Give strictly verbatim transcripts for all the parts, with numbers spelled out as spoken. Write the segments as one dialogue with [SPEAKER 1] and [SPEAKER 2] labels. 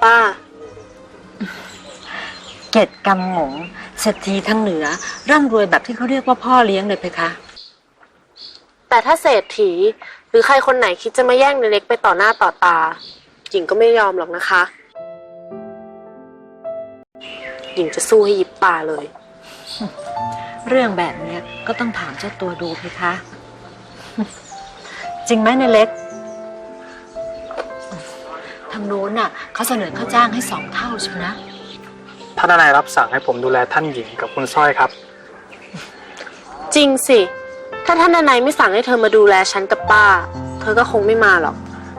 [SPEAKER 1] ป้า
[SPEAKER 2] เกตกำหมงเศรษฐีทั้งเหนือร่ำรวยแบบที่เขาเรียกว่าพ่อเลี้ยงเลยเพคะ
[SPEAKER 1] แต่ถ้าเศรษฐีหรือใครคนไหนคิดจะมาแย่งในเล็กไปต่อหน้าต่อตาหญิงก็ไม่ยอมหรอกนะคะหญิงจะสู้ให้ยิบตาเลย
[SPEAKER 2] เรื่องแบบนี้ก็ต้องถามเจ้าตัวดูเพคะ จริงไหมในเล็กทางโน้นน่ะเขาเสนอค่าจ้างให้สองเท่าใช่ไหมนะ
[SPEAKER 3] ท่านนายรับสั่งให้ผมดูแลท่านหญิงกับคุณสร้อยครับ
[SPEAKER 1] จริงสิถ้าท่านนายไม่สั่งให้เธอมาดูแลฉันกับป้าเธอก็คงไม่มาหรอก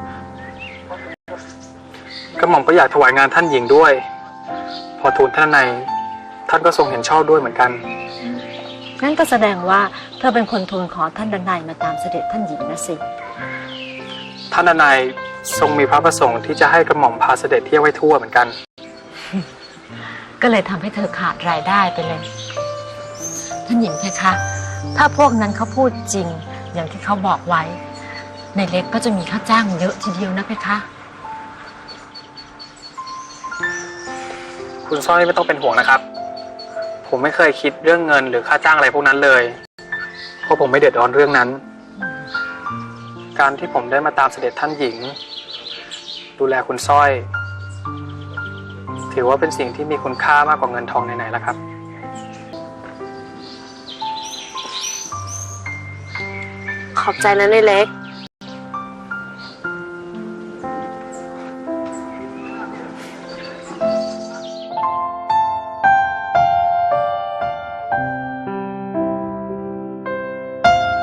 [SPEAKER 3] กระหม่อมก็อยากถวายงานท่านหญิงด้วยพอทูลท่านนายท่านก็ทรงเห็นชอบด้วยเหมือนกัน
[SPEAKER 2] งั้นก็แสดงว่าเธอเป็นคนทูลขอท่านดนัยมาตามเสด็จท่านหญิงนะสิ
[SPEAKER 3] ท่านนายทรงมีพระประสงค์ที่จะให้กระหม่อมพาเสด็จเที่ยวให้ทั่วเหมือนกัน
[SPEAKER 2] ก็เลยทำให้เธอขาดรายได้ไปเลยท่านหญิงเพคะถ้าพวกนั้นเขาพูดจริงอย่างที่เขาบอกไว้ในเล็กก็จะมีค่าจ้างเยอะทีเดียวนะเพคะ
[SPEAKER 3] คุณสร้อยไม่ต้องเป็นห่วงนะครับผมไม่เคยคิดเรื่องเงินหรือค่าจ้างอะไรพวกนั้นเลยเพราะผมไม่เดือดร้อนเรื่องนั้นการที่ผมได้มาตามเสด็จท่านหญิงดูแลคุณสร้อยถือว่าเป็นสิ่งที่มีคุณค่ามากกว่าเงินทองไหนๆแล้วครับ
[SPEAKER 1] ขอบใจนะในเล็ก